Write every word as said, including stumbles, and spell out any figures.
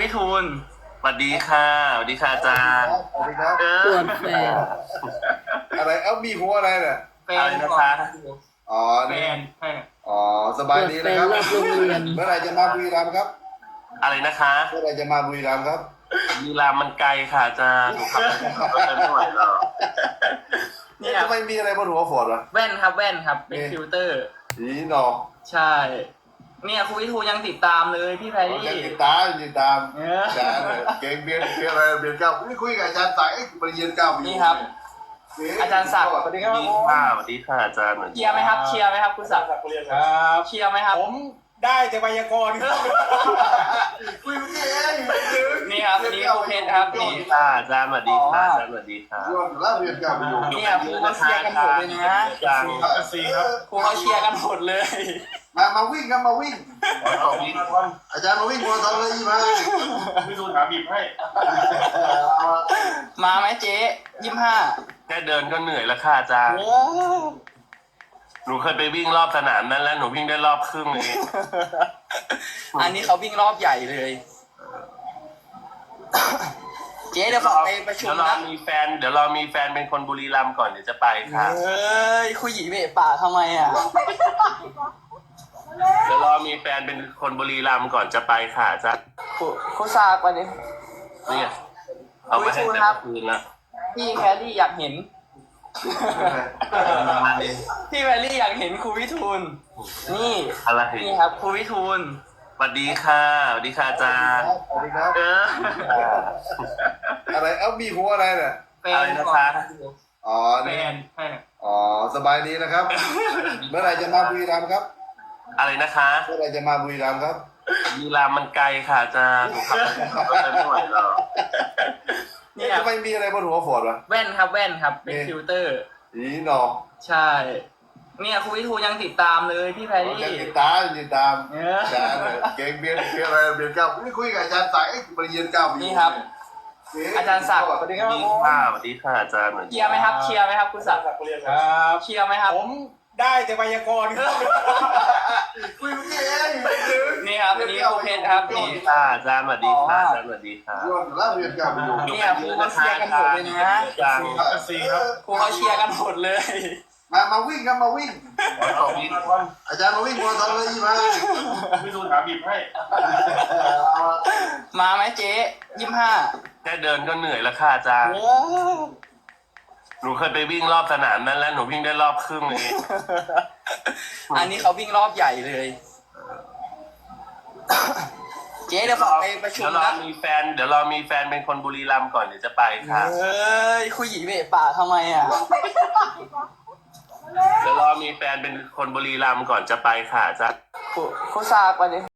วิทูลสวัสดีค่ะสวัสดีค่ะอาจารย์สวัสดีครับเอตรอวจแฟนอะไรเอ้ามีหัวอะไรเนี่ยแฟอะไรนนะคะอ๋อแฟนี่นใช่อ๋อสบายดีนะครับตรวจแฟนรอบโรงเรียนเมื่อไหร่จะมาบุรีรัมย์ครับอะไรนะคะเมื่อไหร่จะมาบุรีรัมย์ครับลีลามันไกลค่ะอาจารย์หนูขับรถไปไม่ไหวแล้วเนี่ยทำไมมีอะไรบนหัวฝนวะแว่นครับแว่นครับเป็นฟิลเตอร์สีหนอกใช่เนี่ยครูวิทูลยังติดตามเลยพี่แพรรี่ยังติดตามยังติดตามเอออาจารย์เนี่ยเก่งเบียนเบียนอะไรเบียนเก้าไม่คุยกับอาจารย์สายเอ้ยปริญญาเก้าอยู่นี่ครับเอ๊ะอาจารย์ศักดิ์สวัสดีสครัวับสดีค่ะสวัสดีค่ะอาจารย์เชียร์ไหมครับเชียร์ไหมครับคุณศักดิ์ครับเชียร์ไหมครับผมได้แต่ไวยากรณ์ครับคุยเมื่อกี้เองนี่ครับอันนี้ครูเพชรครับสวัสนี่ดีค่ะอาจารย์สวัสดีค่ะอาจารย์สวัสดีค่ะย้อนแล้วเรียนเก้าอยู่เนี่ยครูเขาเชียร์กันหมดเลยนะอาจารย์สีครับครูเขาเชียร์กันหมดเลยมามาวิ่งครับมาวิ่งขอบคุณอาจารย์มาวิ่งมาทำอะไรยี่มาพี่ดูถามบีบให้มาไหมเจ๊ยี่สิบห้าแค่เดินก็เหนื่อยแล้วค่ะอาจารย์หนูเคยไปวิ่งรอบสนามนั้นแล้วหนูวิ่งได้รอบครึ่งเองอันนี้เขาวิ่งรอบใหญ่เลย เจ๊เดี๋ยวขอไปประชุมเดี๋ยวเรานะมีแฟนเดี๋ยวเรามีแฟนเป็นคนบุรีรัมย์ก่อนเดี๋ยวจะไปค่ะเอ้ยคุยหยีเบะปากทำไมอ่ะเดี๋ยวเรามีแฟนเป็นคนบุรีรัมย์ก่อนจะไปค่ะอาจารย์ครูครูซากวันนี้นี่ไงเอามาให้แต่เมื่อคืนละพี่แครี่อยากเห็น พี่แครี่อยากเห็นครูวิทูล นี่อะไรนี่ครับครูวิทูลสวัสดีค่ะสวัสดีค่ะอาจารย์สวัสดีครับเอออะไรเอ้ามีหัวอะไรเนี่ยแฟอะไรนนะคะอ๋อแฟนี่นใช่อ๋อสบายดีนะครับ เมื่อไหร่จะมาบุรีรัมย์ครับอะไรนะคะเมื่อไหร่จะมาบุรีรัมย์ครับลีลามันไกลค่ะอาจารย์หนูขับรถไปไม่ไหวแล้วเนี่ยทำไมมีอะไรบนหัวฝนวะแว่นครับแว่นครับเป็นฟิลเตอร์สีหนอกใช่เนี่ยครูวิทูลยังติดตามเลยพี่แพรรี่ยังติดตามยังติดตามเอออาจารย์เนี่ยเก่งเบียนเบียนอะไรเบียนเก้าไม่คุยกับอาจารย์สายเอ้ยปริญญาเก้าอยู่นี่ครับเะอาจารย์ศักดิ์สวัสดีครับสวัสดีค่ะสวัสดีค่ะอาจารย์เชียร์ไหมครับเชียร์ไหมครับคุณศักดิ์ครับเชียร์ไหมครับผมได้แต่ไวยากรณ์ครับคุยเมื่อกี้เองนี่ครับอันนี้ครูเพชรครับสวัสนี่ดีค่ะอาจารย์สวัสดีค่ะอาจารย์สวัสดีค่ะย้อนแล้วเรียนเก้าอยู่เนี่ยครูเขาเชียร์กันหมดเลยนะอาจารย์สีครับครูเขาเชียร์กันหมดเลยมามาวิ่งครับมาวิ่งขอบคุณอาจารย์มาวิ่งมาทำอะไรยี่มาพี่ดูถามบีบให้มาไหมเจ๊ยี่สิบห้าแค่เดินก็เหนื่อยแล้วค่ะอาจารย์หนูเคยไปวิ่งรอบสนามนั้นแล้วหนูวิ่งได้รอบครึ่งเองอันนี้เขาวิ่งรอบใหญ่เลย เจ๊เดี๋ยวขอไปประชุมเดี๋ยวเรานะมีแฟนเดี๋ยวเรามีแฟนเป็นคนบุรีรัมย์ก่อนเดี๋ยวจะไปค่ะเอ้ยคุยหยีเบะปากทำไมอ่ะเดี๋ยวเรามีแฟนเป็นคนบุรีรัมย์ก่อนจะไปค่ะอาจารย์ครูครูซากวันนี้